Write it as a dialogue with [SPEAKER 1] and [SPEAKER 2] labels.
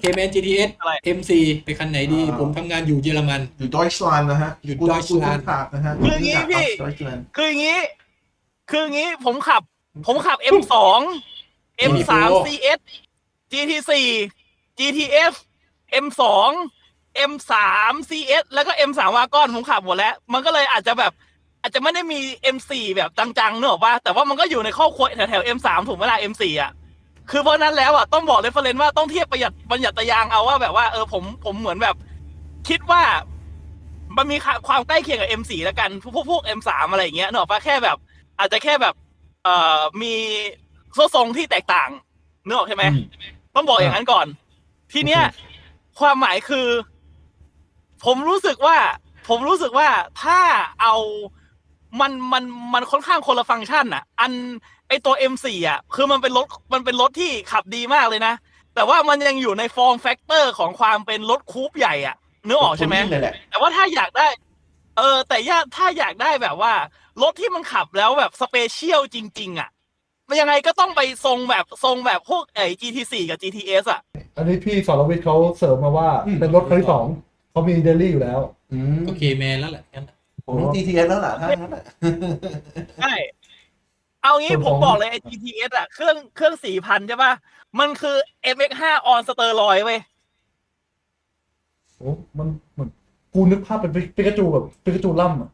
[SPEAKER 1] KMN GTS
[SPEAKER 2] อะไร
[SPEAKER 1] MC ไปคันไหนดี ผมทำงานอยู่เยอรมัน
[SPEAKER 3] อยู่ดอยชลันนะฮะ
[SPEAKER 1] อยู่
[SPEAKER 3] กู
[SPEAKER 1] Deutschland
[SPEAKER 3] ขาดนะฮะ
[SPEAKER 2] คืออย่างงี้พี่
[SPEAKER 3] ดอยชลัน
[SPEAKER 2] คืออย่างนี้ผมขับ M2 M3 CS GT4 GTF M2 M3 CS แล้วก็ M3 วากอนผมขับหมดแล้ว มันก็เลยอาจจะไม่ได้มี M4 แบบจังๆเนอะป่ะแต่ว่ามันก็อยู่ในครอบครัวแถวๆ M3 ถูกไหมล่ะ M4 อ่ะคือเพราะนั้นแล้วอ่ะต้องบอกเรฟเฟอเรนซ์ว่าต้องเทียบบัญญัติยางเอาว่าแบบว่าผมเหมือนแบบคิดว่ามันมีความใกล้เคียงกับ M4 แล้วกันพวก M3 อะไรอย่างเงี้ยเนอะป่ะแค่แบบอาจจะแค่แบบมีโซ่ทรงที่แตกต่างเนอะใช่ไหมต้องบอกอย่างนั้นก่อนทีเนี้ยความหมายคือผมรู้สึกว่าถ้าเอามันค่อนข้างคนละฟังก์ชันอ่ะไอตัว M4 อ่ะคือมันเป็นรถที่ขับดีมากเลยนะแต่ว่ามันยังอยู่ในฟอร์มแฟกเตอร์ของความเป็นรถคูปใหญ่อ่ะนึกออกใช่ไหมแต่ว่าถ้าอยากได้แต่ถ้าอยากได้แบบว่ารถที่มันขับแล้วแบบสเปเชียลจริงๆอ่ะมันยังไงก็ต้องไปทรงแบบพวกGT4 กับ GTS อ่ะ
[SPEAKER 4] อันนี้พี่สรวิทย์เขาเสริมมาว่าเป็นรถคันที่สองเขามีเดลี่อยู่แล้ว
[SPEAKER 1] ก็ KMN แล้วแหละงั้น
[SPEAKER 3] ผมต้อง GTS แล้วล่ะถ้างั้นน่ะ
[SPEAKER 2] ใช่ เอางี้
[SPEAKER 4] ส่วน
[SPEAKER 2] ผ
[SPEAKER 4] ข
[SPEAKER 2] ม
[SPEAKER 4] อง
[SPEAKER 2] บอกเลยไอ้ GTS อ่ะเครื่อง 4,000 ใช่ป่ะ มันคือ MX5 on steroid เว้ย
[SPEAKER 4] โอ้มันเหมือนกูนึกภาพเป็นปิกาจูแบบปิกาจูล่ำอ่ะ